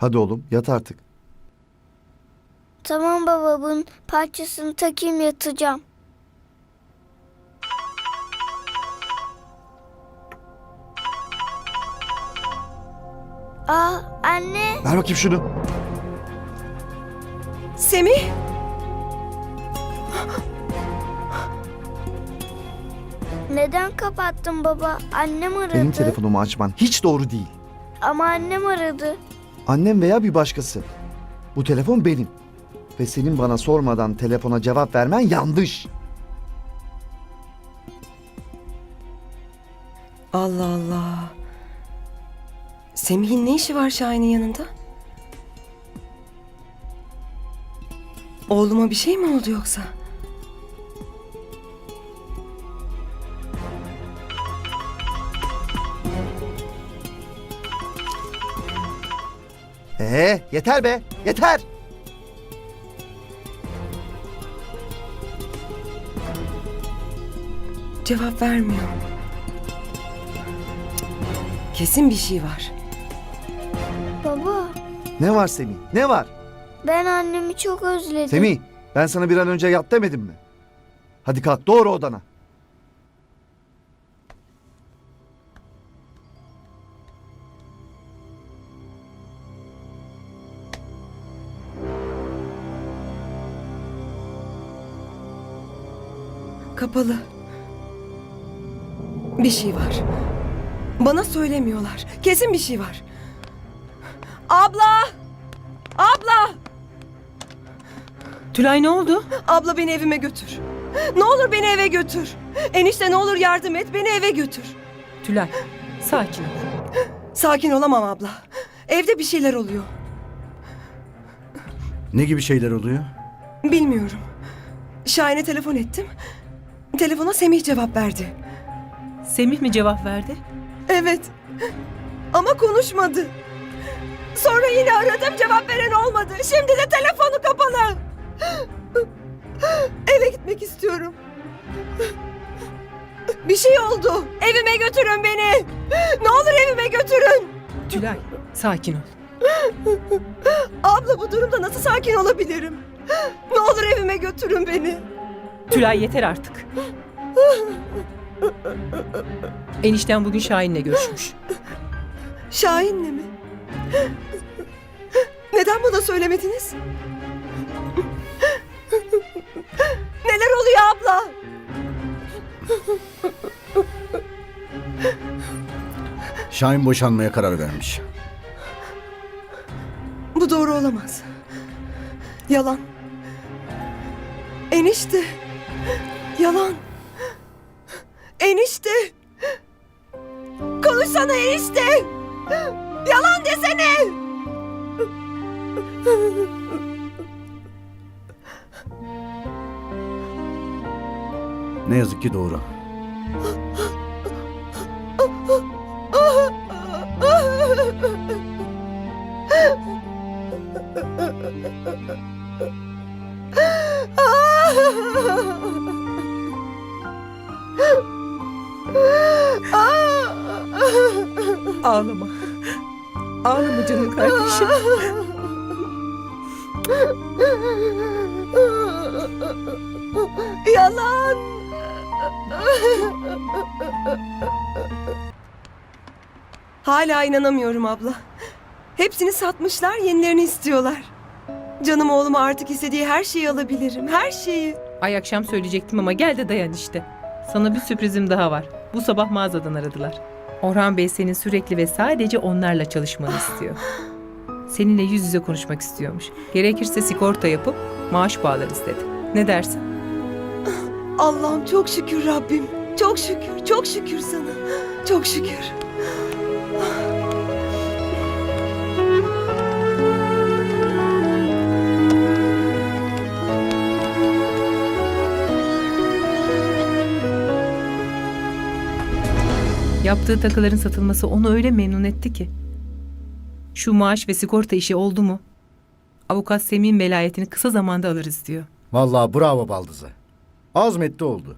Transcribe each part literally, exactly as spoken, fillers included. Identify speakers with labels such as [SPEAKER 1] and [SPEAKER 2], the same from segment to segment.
[SPEAKER 1] Hadi oğlum yat artık.
[SPEAKER 2] Tamam baba, bunun parçasını takayım, yatacağım. Aa anne.
[SPEAKER 1] Ver bakayım şunu.
[SPEAKER 3] Semih!
[SPEAKER 2] Neden kapattın baba? Annem aradı.
[SPEAKER 1] Benim telefonumu açman hiç doğru değil.
[SPEAKER 2] Ama annem aradı.
[SPEAKER 1] Annem veya bir başkası. Bu telefon benim. Ve senin bana sormadan telefona cevap vermen yanlış.
[SPEAKER 3] Allah Allah. Semih'in ne işi var Şahin'in yanında? Oğluma bir şey mi oldu yoksa?
[SPEAKER 1] Ee, yeter be, yeter.
[SPEAKER 3] Cevap vermiyor. Kesin bir şey var.
[SPEAKER 2] Baba,
[SPEAKER 1] Ne var Semih, ne var?
[SPEAKER 2] ben annemi çok özledim.
[SPEAKER 1] Semih, ben sana bir an önce yat demedim mi? Hadi kalk, doğru odana.
[SPEAKER 3] Kapalı. Bir şey var. Bana söylemiyorlar. Kesin bir şey var. Abla! Abla!
[SPEAKER 4] Tülay ne oldu?
[SPEAKER 3] Abla beni evime götür. Ne olur beni eve götür. Enişte ne olur yardım et, beni eve götür.
[SPEAKER 4] Tülay sakin ol.
[SPEAKER 3] Sakin olamam abla. Evde bir şeyler oluyor.
[SPEAKER 5] Ne gibi şeyler oluyor?
[SPEAKER 3] Bilmiyorum. Şahin'e telefon ettim. Telefona Semih cevap verdi.
[SPEAKER 4] Semih mi cevap verdi?
[SPEAKER 3] Evet. Ama konuşmadı. Sonra yine aradım, cevap veren olmadı. Şimdi de telefonu kapalı. Eve gitmek istiyorum. Bir şey oldu. Evime götürün beni. Ne olur evime götürün.
[SPEAKER 4] Tülay sakin ol.
[SPEAKER 3] Abla bu durumda nasıl sakin olabilirim? Ne olur evime götürün beni.
[SPEAKER 4] Tülay yeter artık. Enişten bugün Şahin'le görüşmüş.
[SPEAKER 3] Şahin'le mi? Neden bana söylemediniz? Neler oluyor abla?
[SPEAKER 5] Şahin boşanmaya karar vermiş.
[SPEAKER 3] Bu doğru olamaz. Yalan. Enişte. Yalan. Enişte. Konuşsana enişte. Yalan desene.
[SPEAKER 5] Ne yazık ki doğru.
[SPEAKER 4] Ağlama. Ağlama canım kardeşim.
[SPEAKER 3] Yalan. Hala inanamıyorum abla. Hepsini satmışlar, yenilerini istiyorlar. Canım oğluma artık istediği her şeyi alabilirim, her şeyi.
[SPEAKER 4] Ay akşam söyleyecektim ama gel de dayan işte. Sana bir sürprizim daha var. Bu sabah mağazadan aradılar. Orhan Bey senin sürekli ve sadece onlarla çalışmanı istiyor. Seninle yüz yüze konuşmak istiyormuş. Gerekirse sigorta yapıp maaş bağlarız dedi. Ne dersin?
[SPEAKER 3] Allah'ım çok şükür Rabbim. Çok şükür, çok şükür sana. Çok şükür.
[SPEAKER 4] Yaptığı takıların satılması onu öyle memnun etti ki. Şu maaş ve sigorta işi oldu mu? Avukat Semih'in velayetini kısa zamanda alırız diyor.
[SPEAKER 5] Vallahi bravo Baldız'a. Azmetti oldu.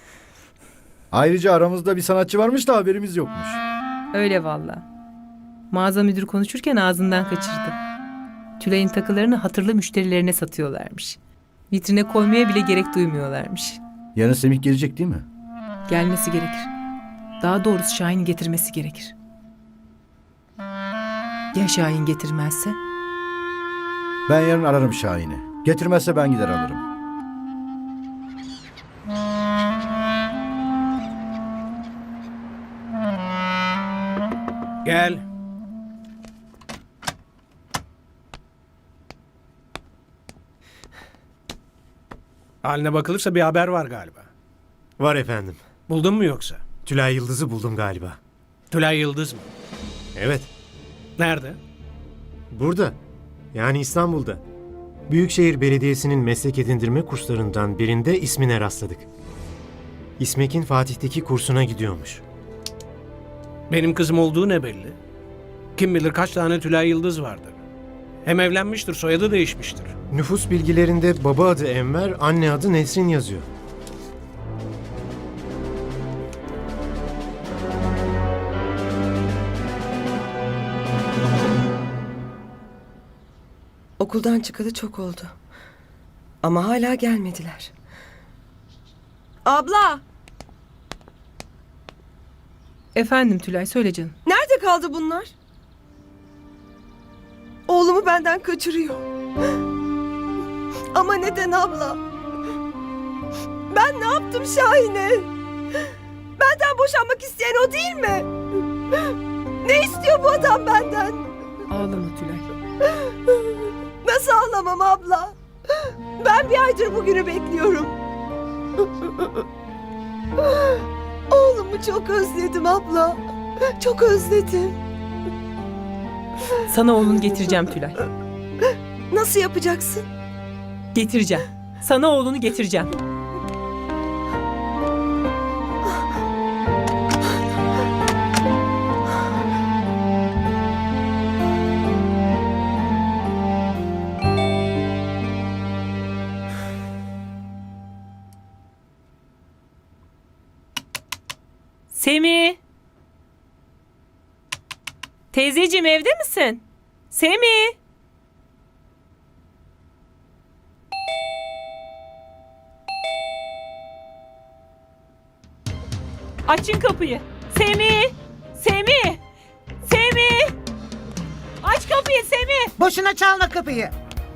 [SPEAKER 5] Ayrıca aramızda bir sanatçı varmış da haberimiz yokmuş.
[SPEAKER 4] Öyle valla. Mağaza müdürü konuşurken ağzından kaçırdı. Tülay'ın takılarını hatırlı müşterilerine satıyorlarmış. Vitrine koymaya bile gerek duymuyorlarmış.
[SPEAKER 5] Yarın Semih gelecek değil mi?
[SPEAKER 4] Gelmesi gerekir. Daha doğrusu Şahin'i getirmesi gerekir. Ya Şahin getirmezse?
[SPEAKER 5] Ben yarın ararım Şahin'i. Getirmezse ben gider alırım.
[SPEAKER 6] Gel. Haline bakılırsa bir haber var galiba.
[SPEAKER 7] Var efendim.
[SPEAKER 6] Buldun mu yoksa?
[SPEAKER 7] Tülay Yıldız'ı buldum galiba.
[SPEAKER 6] Tülay Yıldız mı?
[SPEAKER 7] Evet.
[SPEAKER 6] Nerede?
[SPEAKER 7] Burada. Yani İstanbul'da. Büyükşehir Belediyesi'nin meslek edindirme kurslarından birinde ismine rastladık. İsmek'in Fatih'teki kursuna gidiyormuş.
[SPEAKER 6] Benim kızım olduğu ne belli? Kim bilir kaç tane Tülay Yıldız vardır. Hem evlenmiştir, soyadı değişmiştir.
[SPEAKER 7] Nüfus bilgilerinde baba adı Enver, anne adı Nesrin yazıyor.
[SPEAKER 3] Okuldan çıkalı çok oldu. Ama hala gelmediler. Abla,
[SPEAKER 4] Efendim Tülay, söyle canım.
[SPEAKER 3] nerede kaldı bunlar? Oğlumu benden kaçırıyor. Ama neden abla? Ben ne yaptım Şahin'e? Benden boşanmak isteyen o değil mi? Ne istiyor bu adam benden?
[SPEAKER 4] Ağlama Tülay.
[SPEAKER 3] Nasıl ağlamam abla? Ben bir aydır bugünü bekliyorum. Oğlumu çok özledim abla. Çok özledim.
[SPEAKER 4] Sana oğlunu getireceğim Tülay.
[SPEAKER 3] Nasıl yapacaksın?
[SPEAKER 4] Getireceğim. Sana oğlunu getireceğim. Semih. Teyzeciğim, evde misin? Semih. Açın kapıyı. Semih. Semih. Semih. Aç kapıyı Semih.
[SPEAKER 8] Boşuna çalma kapıyı.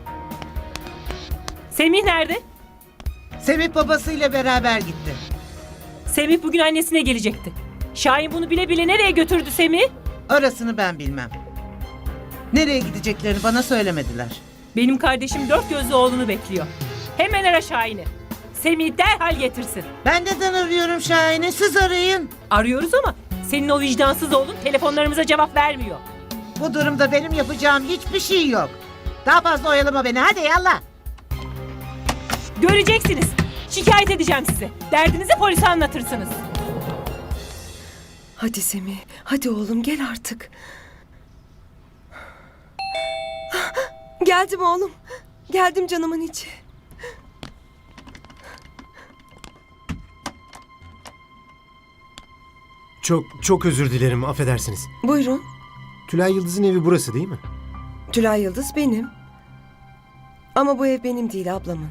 [SPEAKER 4] Semih nerede?
[SPEAKER 8] Semih babasıyla beraber gitti.
[SPEAKER 4] Semih bugün annesine gelecekti. Şahin bunu bile bile nereye götürdü Semih?
[SPEAKER 8] Orasını ben bilmem. Nereye gideceklerini bana söylemediler.
[SPEAKER 4] Benim kardeşim dört gözlü oğlunu bekliyor. Hemen ara Şahin'i. Semih derhal getirsin.
[SPEAKER 8] Ben neden arıyorum Şahin'i? Siz arayın.
[SPEAKER 4] Arıyoruz ama senin o vicdansız oğlun telefonlarımıza cevap vermiyor.
[SPEAKER 8] Bu durumda benim yapacağım hiçbir şey yok. Daha fazla oyalama beni. Hadi yallah.
[SPEAKER 4] Göreceksiniz. Şikayet edeceğim sizi. Derdinizi polise anlatırsınız.
[SPEAKER 3] Hadi Semih, hadi oğlum gel artık. Geldim oğlum. Geldim canımın içi.
[SPEAKER 7] Çok çok özür dilerim, affedersiniz.
[SPEAKER 3] Buyurun.
[SPEAKER 7] Tülay Yıldız'ın evi burası değil mi?
[SPEAKER 3] Tülay Yıldız benim. Ama bu ev benim değil, ablamın.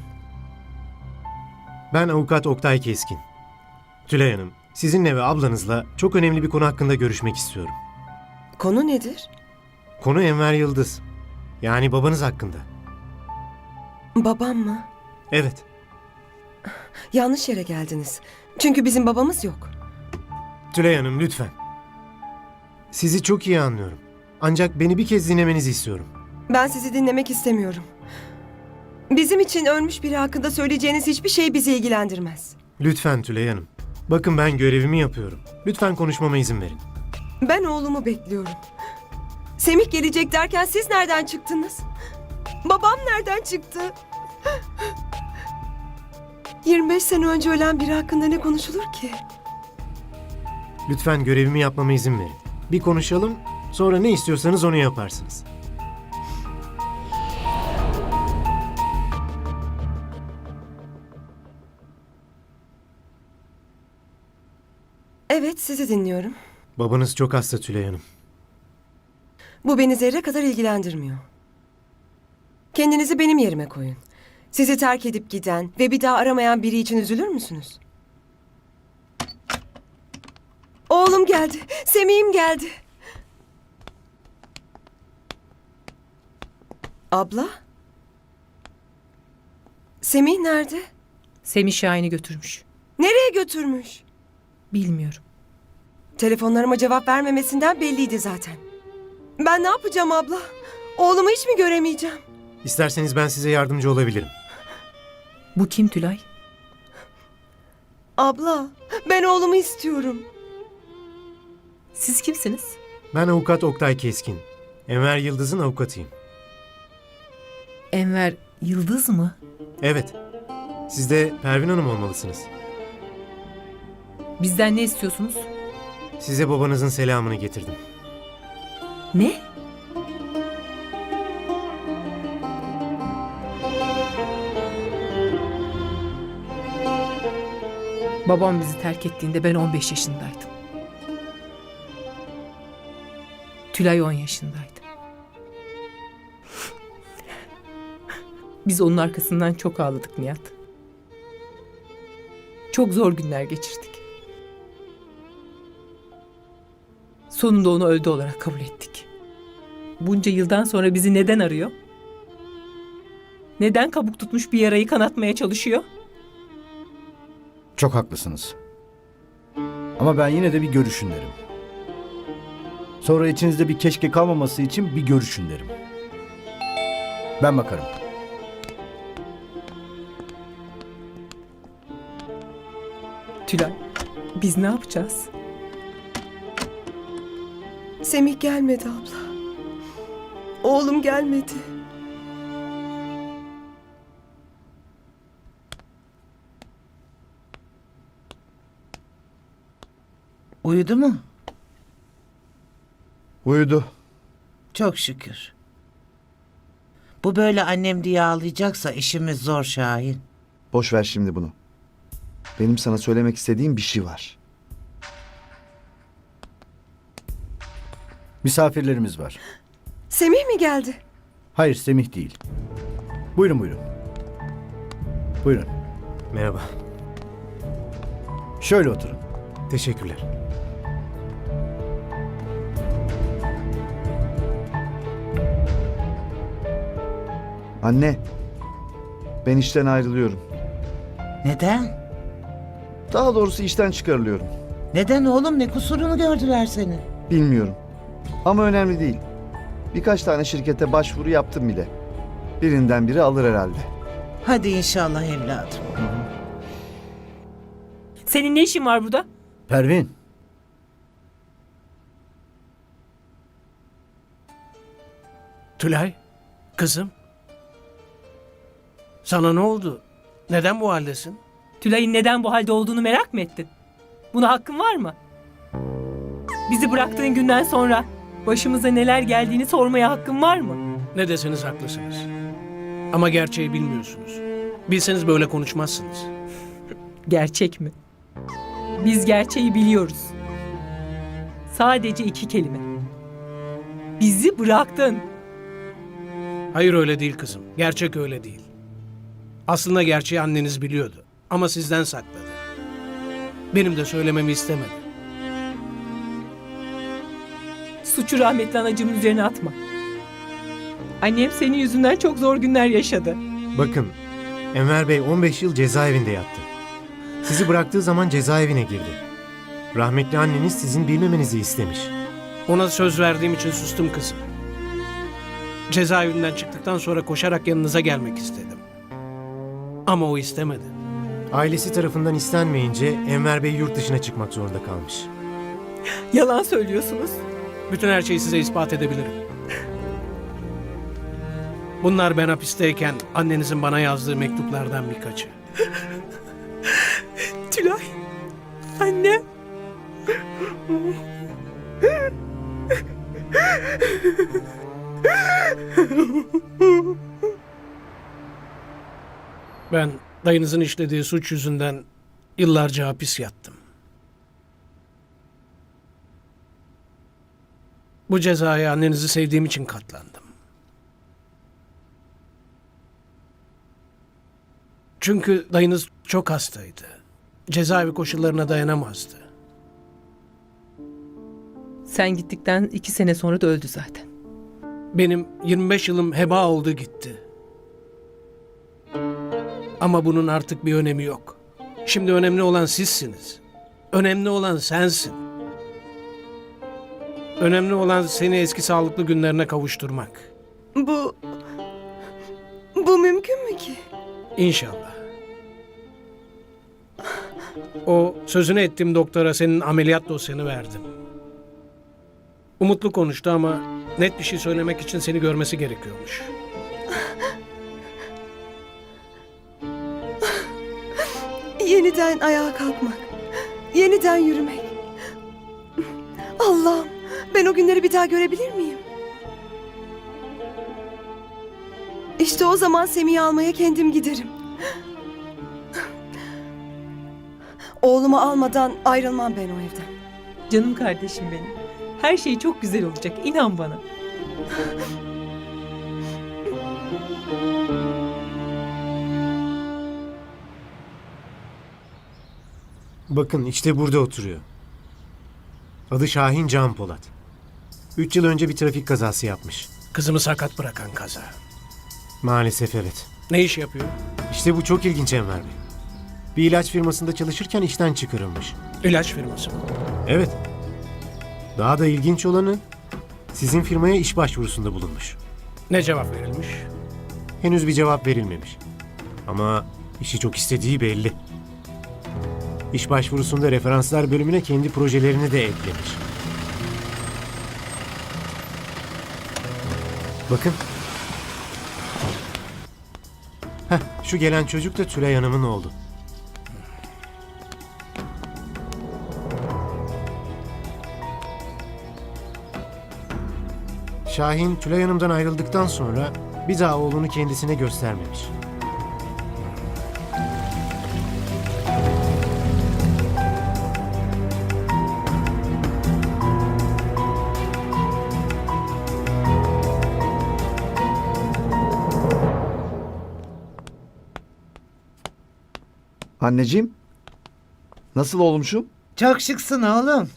[SPEAKER 7] Ben avukat Oktay Keskin. Tülay Hanım, sizinle ve ablanızla çok önemli bir konu hakkında görüşmek istiyorum.
[SPEAKER 3] Konu nedir?
[SPEAKER 7] Konu Enver Yıldız. Yani babanız hakkında.
[SPEAKER 3] Babam mı?
[SPEAKER 7] Evet.
[SPEAKER 3] Yanlış yere geldiniz. Çünkü bizim babamız yok.
[SPEAKER 7] Tülay Hanım lütfen. Sizi çok iyi anlıyorum. Ancak beni bir kez dinlemenizi istiyorum.
[SPEAKER 3] Ben sizi dinlemek istemiyorum. Bizim için ölmüş biri hakkında söyleyeceğiniz hiçbir şey bizi ilgilendirmez.
[SPEAKER 7] Lütfen Tülay Hanım. Bakın ben görevimi yapıyorum. Lütfen konuşmama izin verin.
[SPEAKER 3] Ben oğlumu bekliyorum. Semih gelecek derken siz nereden çıktınız? Babam nereden çıktı? yirmi beş sene önce ölen biri hakkında ne konuşulur ki?
[SPEAKER 7] Lütfen görevimi yapmama izin verin. Bir konuşalım, sonra ne istiyorsanız onu yaparsınız.
[SPEAKER 3] Evet, sizi dinliyorum.
[SPEAKER 7] Babanız çok hasta Tülay Hanım.
[SPEAKER 3] Bu beni zerre kadar ilgilendirmiyor. Kendinizi benim yerime koyun. Sizi terk edip giden ve bir daha aramayan biri için üzülür müsünüz? Oğlum geldi. Semih'im geldi. Abla? Semih nerede?
[SPEAKER 4] Semih Şahin'i götürmüş.
[SPEAKER 3] Nereye götürmüş?
[SPEAKER 4] Bilmiyorum.
[SPEAKER 3] Telefonlarıma cevap vermemesinden belliydi zaten. Ben ne yapacağım abla? Oğlumu hiç mi göremeyeceğim?
[SPEAKER 7] İsterseniz ben size yardımcı olabilirim.
[SPEAKER 4] Bu kim Tülay?
[SPEAKER 3] Abla, ben oğlumu istiyorum.
[SPEAKER 4] Siz kimsiniz?
[SPEAKER 7] Ben avukat Oktay Keskin. Enver Yıldız'ın avukatıyım.
[SPEAKER 4] Enver Yıldız mı?
[SPEAKER 7] Evet. Siz de Pervin Hanım olmalısınız.
[SPEAKER 4] Bizden ne istiyorsunuz?
[SPEAKER 7] Size babanızın selamını getirdim.
[SPEAKER 4] Ne? Babam bizi terk ettiğinde ben on beş yaşındaydım. Tülay on yaşındaydı. Biz onun arkasından çok ağladık Nihat. Çok zor günler geçirdik. Sonunda onu öldü olarak kabul ettik. Bunca yıldan sonra bizi neden arıyor? Neden kabuk tutmuş bir yarayı kanatmaya çalışıyor?
[SPEAKER 5] Çok haklısınız. Ama ben yine de bir görüşün derim. Sonra içinizde bir keşke kalmaması için bir görüşün derim. Ben bakarım.
[SPEAKER 4] Tülay, biz ne yapacağız?
[SPEAKER 3] Semih gelmedi abla. Oğlum gelmedi.
[SPEAKER 8] Uyudu mu?
[SPEAKER 1] Uyudu.
[SPEAKER 8] Çok şükür. Bu böyle annem diye ağlayacaksa işimiz zor Şahin.
[SPEAKER 1] Boş ver şimdi bunu. Benim sana söylemek istediğim bir şey var.
[SPEAKER 5] Misafirlerimiz var.
[SPEAKER 3] Semih mi geldi?
[SPEAKER 5] Hayır, Semih değil. Buyurun buyurun. Buyurun.
[SPEAKER 7] Merhaba.
[SPEAKER 5] Şöyle oturun.
[SPEAKER 7] Teşekkürler.
[SPEAKER 1] Anne, ben işten ayrılıyorum.
[SPEAKER 8] Neden?
[SPEAKER 1] Daha doğrusu işten çıkarılıyorum.
[SPEAKER 8] Neden oğlum, ne kusurunu gördüler seni?
[SPEAKER 1] Bilmiyorum. Ama önemli değil. Birkaç tane şirkete başvuru yaptım bile. Birinden biri alır herhalde.
[SPEAKER 8] Hadi inşallah evladım.
[SPEAKER 4] Senin ne işin var burada?
[SPEAKER 5] Pervin.
[SPEAKER 6] Tülay, kızım. Sana ne oldu? Neden bu haldesin?
[SPEAKER 4] Tülay'ın neden bu halde olduğunu merak mı ettin? Buna hakkın var mı? Bizi bıraktığın günden sonra başımıza neler geldiğini sormaya hakkın var mı?
[SPEAKER 6] Ne deseniz haklısınız. Ama gerçeği bilmiyorsunuz. Bilseniz böyle konuşmazsınız.
[SPEAKER 4] Gerçek mi? Biz gerçeği biliyoruz. Sadece iki kelime. Bizi bıraktın.
[SPEAKER 6] Hayır, öyle değil kızım. Gerçek öyle değil. Aslında gerçeği anneniz biliyordu. Ama sizden sakladı. Benim de söylememi istemedi.
[SPEAKER 4] Suçu rahmetli anacığımın üzerine atma. Annem senin yüzünden çok zor günler yaşadı.
[SPEAKER 7] Bakın, Enver Bey on beş yıl cezaevinde yattı. Sizi bıraktığı zaman cezaevine girdi. Rahmetli anneniz sizin bilmemenizi istemiş.
[SPEAKER 6] Ona söz verdiğim için sustum kızım. Cezaevinden çıktıktan sonra koşarak yanınıza gelmek istedim. Ama o istemedi.
[SPEAKER 7] Ailesi tarafından istenmeyince Enver Bey yurt dışına çıkmak zorunda kalmış.
[SPEAKER 4] Yalan söylüyorsunuz.
[SPEAKER 6] Bütün her şeyi size ispat edebilirim. Bunlar ben hapisteyken annenizin bana yazdığı mektuplardan birkaçı.
[SPEAKER 4] Tülay. Anne.
[SPEAKER 6] Ben dayınızın işlediği suç yüzünden yıllarca hapis yattım. Bu cezaya annenizi sevdiğim için katlandım. Çünkü dayınız çok hastaydı. Cezaevi koşullarına dayanamazdı.
[SPEAKER 4] Sen gittikten iki sene sonra da öldü zaten.
[SPEAKER 6] Benim yirmi beş yılım heba oldu gitti. Ama bunun artık bir önemi yok. Şimdi önemli olan sizsiniz. Önemli olan sensin. Önemli olan seni eski sağlıklı günlerine kavuşturmak.
[SPEAKER 3] Bu... Bu mümkün mü ki?
[SPEAKER 6] İnşallah. O sözünü ettiğim doktora senin ameliyat dosyanı verdim. Umutlu konuştu ama net bir şey söylemek için seni görmesi gerekiyormuş.
[SPEAKER 3] Yeniden ayağa kalkmak. Yeniden yürümek. Allah'ım, ben o günleri bir daha görebilir miyim? İşte o zaman Semih'i almaya kendim giderim. Oğlumu almadan ayrılmam ben o evden.
[SPEAKER 4] Canım kardeşim benim. Her şey çok güzel olacak. İnan bana.
[SPEAKER 7] Bakın işte burada oturuyor. Adı Şahin Can Polat. Üç yıl önce bir trafik kazası yapmış.
[SPEAKER 6] Kızımı sakat bırakan kaza.
[SPEAKER 7] Maalesef evet.
[SPEAKER 6] Ne iş yapıyor?
[SPEAKER 7] İşte bu çok ilginç Enver Bey. Bir ilaç firmasında çalışırken işten çıkarılmış.
[SPEAKER 6] İlaç firması mı?
[SPEAKER 7] Evet. Daha da ilginç olanı sizin firmaya iş başvurusunda bulunmuş.
[SPEAKER 6] Ne cevap verilmiş?
[SPEAKER 7] Henüz bir cevap verilmemiş. Ama işi çok istediği belli. İş başvurusunda referanslar bölümüne kendi projelerini de eklemiş. Bakın. Heh, şu gelen çocuk da Tülay Hanım'ın oğlu. Şahin, Tülay Hanım'dan ayrıldıktan sonra bir daha oğlunu kendisine göstermemiş.
[SPEAKER 1] Anneciğim, nasıl olmuşum?
[SPEAKER 8] Çok şıksın oğlum.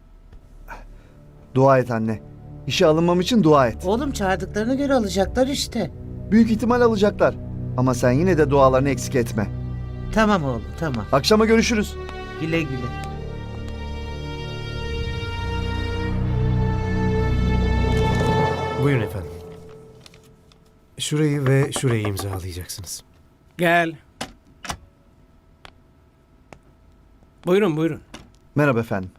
[SPEAKER 1] Dua et anne. İşe alınmam için dua et.
[SPEAKER 8] Oğlum çağırdıklarına göre alacaklar işte.
[SPEAKER 1] Büyük ihtimal alacaklar. Ama sen yine de dualarını eksik etme.
[SPEAKER 8] Tamam oğlum tamam.
[SPEAKER 1] Akşama görüşürüz.
[SPEAKER 8] Güle güle.
[SPEAKER 7] Buyurun efendim. Şurayı ve şurayı imzalayacaksınız.
[SPEAKER 6] Gel. Buyurun buyurun.
[SPEAKER 1] Merhaba efendim.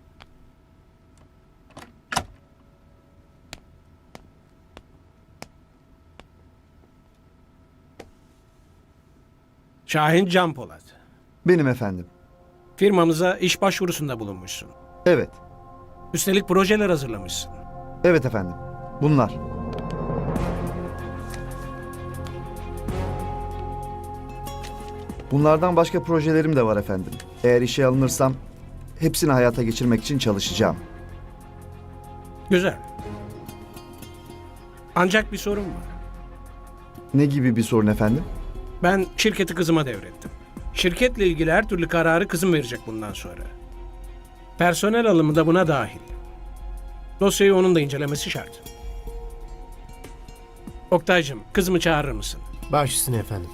[SPEAKER 6] Şahin Can Polat.
[SPEAKER 1] Benim efendim.
[SPEAKER 6] Firmamıza iş başvurusunda bulunmuşsun.
[SPEAKER 1] Evet.
[SPEAKER 6] Üstelik projeler hazırlamışsın.
[SPEAKER 1] Evet efendim. Bunlar. Bunlardan başka projelerim de var efendim. Eğer işe alınırsam hepsini hayata geçirmek için çalışacağım.
[SPEAKER 6] Güzel. Ancak bir sorun var.
[SPEAKER 1] Ne gibi bir sorun efendim?
[SPEAKER 6] Ben şirketi kızıma devrettim. Şirketle ilgili her türlü kararı kızım verecek bundan sonra. Personel alımı da buna dahil. Dosyayı onun da incelemesi şart. Oktay'cığım, kızımı çağırır mısın?
[SPEAKER 7] Baş üstüne efendim.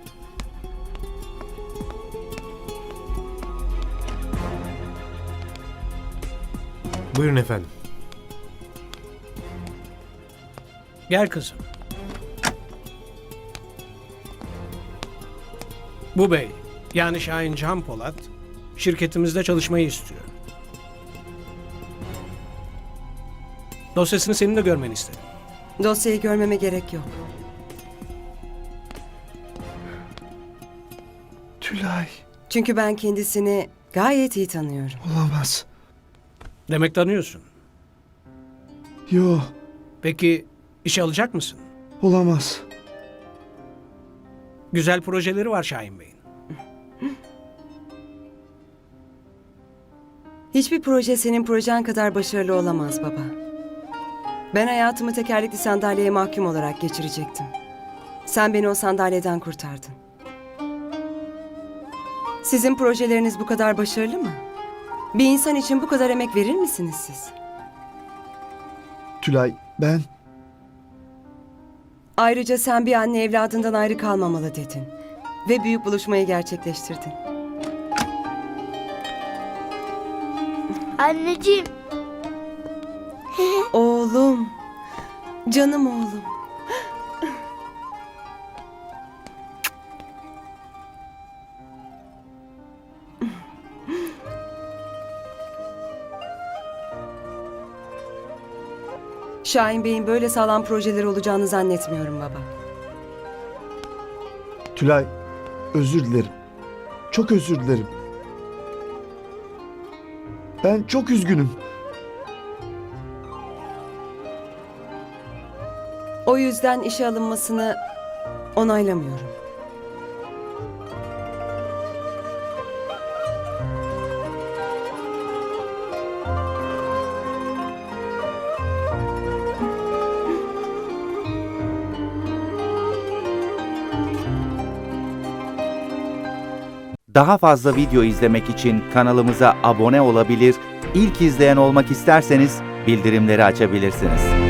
[SPEAKER 7] Buyurun efendim.
[SPEAKER 6] Gel kızım. Bu bey, yani Şahin Can Polat, şirketimizde çalışmayı istiyor. Dosyasını senin de görmeni istedim.
[SPEAKER 3] Dosyayı görmeme gerek yok.
[SPEAKER 1] Tülay.
[SPEAKER 3] Çünkü ben kendisini gayet iyi tanıyorum.
[SPEAKER 1] Olamaz.
[SPEAKER 6] Demek tanıyorsun.
[SPEAKER 1] Yo,
[SPEAKER 6] Peki işe alacak mısın?
[SPEAKER 1] olamaz.
[SPEAKER 6] Güzel projeleri var Şahin Bey'in.
[SPEAKER 3] Hiçbir proje senin projen kadar başarılı olamaz baba.
[SPEAKER 9] Ben hayatımı tekerlekli sandalyeye mahkum olarak geçirecektim. Sen beni o sandalyeden kurtardın. Sizin projeleriniz bu kadar başarılı mı? Bir insan için bu kadar emek verir misiniz siz?
[SPEAKER 1] Tülay, ben...
[SPEAKER 9] Ayrıca sen bir anne evladından ayrı kalmamalı dedin. Ve büyük buluşmayı gerçekleştirdin.
[SPEAKER 2] Anneciğim.
[SPEAKER 9] Oğlum. Canım oğlum. Şahin Bey'in böyle sağlam projeleri olacağını zannetmiyorum baba.
[SPEAKER 1] Tülay, özür dilerim. Çok özür dilerim. Ben çok üzgünüm.
[SPEAKER 9] O yüzden işe alınmasını onaylamıyorum.
[SPEAKER 10] Daha fazla video izlemek için kanalımıza abone olabilir, ilk izleyen olmak isterseniz bildirimleri açabilirsiniz.